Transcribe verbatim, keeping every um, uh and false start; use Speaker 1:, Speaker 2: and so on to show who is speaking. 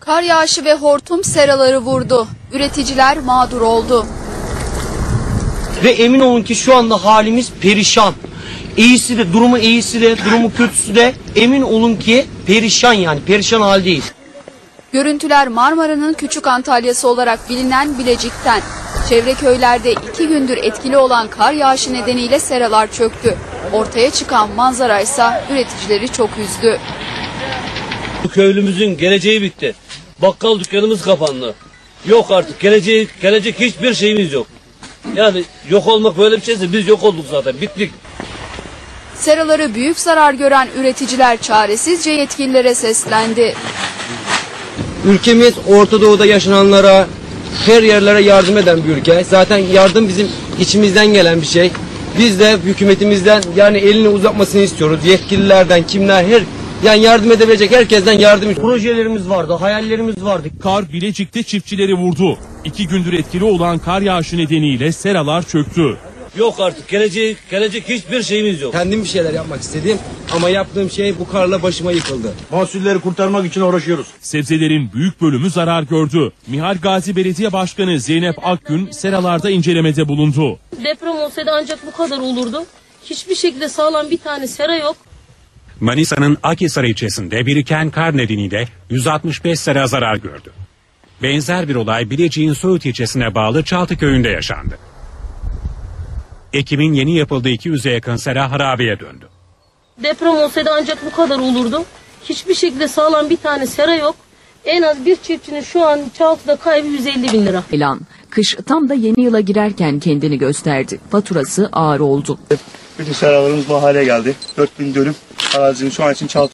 Speaker 1: Kar yağışı ve hortum seraları vurdu. Üreticiler mağdur oldu.
Speaker 2: Ve emin olun ki şu anda halimiz perişan. İyisi de, durumu iyisi de, durumu kötüsü de emin olun ki perişan, yani perişan haldeyiz.
Speaker 1: Görüntüler Marmara'nın Küçük Antalya'sı olarak bilinen Bilecik'ten. Çevre köylerde iki gündür etkili olan kar yağışı nedeniyle seralar çöktü. Ortaya çıkan manzara ise üreticileri çok üzdü.
Speaker 3: Bu köylümüzün geleceği bitti. Bakkal dükkanımız kapandı. Yok artık geleceği, gelecek hiçbir şeyimiz yok. Yani yok olmak böyle bir şeyse biz yok olduk zaten, bittik.
Speaker 1: Seraları büyük zarar gören üreticiler çaresizce yetkililere seslendi.
Speaker 4: Ülkemiz Orta Doğu'da yaşananlara, her yerlere yardım eden bir ülke. Zaten yardım bizim içimizden gelen bir şey. Biz de hükümetimizden yani elini uzatmasını istiyoruz. Yetkililerden, kimler, her yani yardım edebilecek herkesten yardım.
Speaker 2: Projelerimiz vardı, hayallerimiz vardı.
Speaker 5: Kar Bilecik'te çiftçileri vurdu. İki gündür etkili olan kar yağışı nedeniyle seralar çöktü.
Speaker 3: Yok artık geleceği, gelecek hiçbir şeyimiz yok.
Speaker 4: Kendim bir şeyler yapmak istedim ama yaptığım şey bu karla başıma yıkıldı.
Speaker 6: Mahsulleri kurtarmak için uğraşıyoruz.
Speaker 5: Sebzelerin büyük bölümü zarar gördü. Mihal Gazi Belediye Başkanı Zeynep Akgün seralarda incelemede bulundu.
Speaker 7: Deprem olsaydı ancak bu kadar olurdu. Hiçbir şekilde sağlam bir tane sera yok.
Speaker 8: Manisa'nın Akhisar ilçesinde biriken kar nedeniyle yüz altmış beş sera zarar gördü. Benzer bir olay Bilecik'in Söğüt ilçesine bağlı Çaltı köyünde yaşandı. Ekimin yeni yapıldığı iki yüze yakın sera harabeye döndü.
Speaker 7: Deprem olsaydı ancak bu kadar olurdu. Hiçbir şekilde sağlam bir tane sera yok. En az bir çiftçinin şu an Çaltı'da kaybı yüz elli bin lira.
Speaker 9: Elan, kış tam da yeni yıla girerken kendini gösterdi. Faturası ağır oldu.
Speaker 6: Bütün seralarımız bu hale geldi. dört bin dönüm arazinin şu an için Çaltı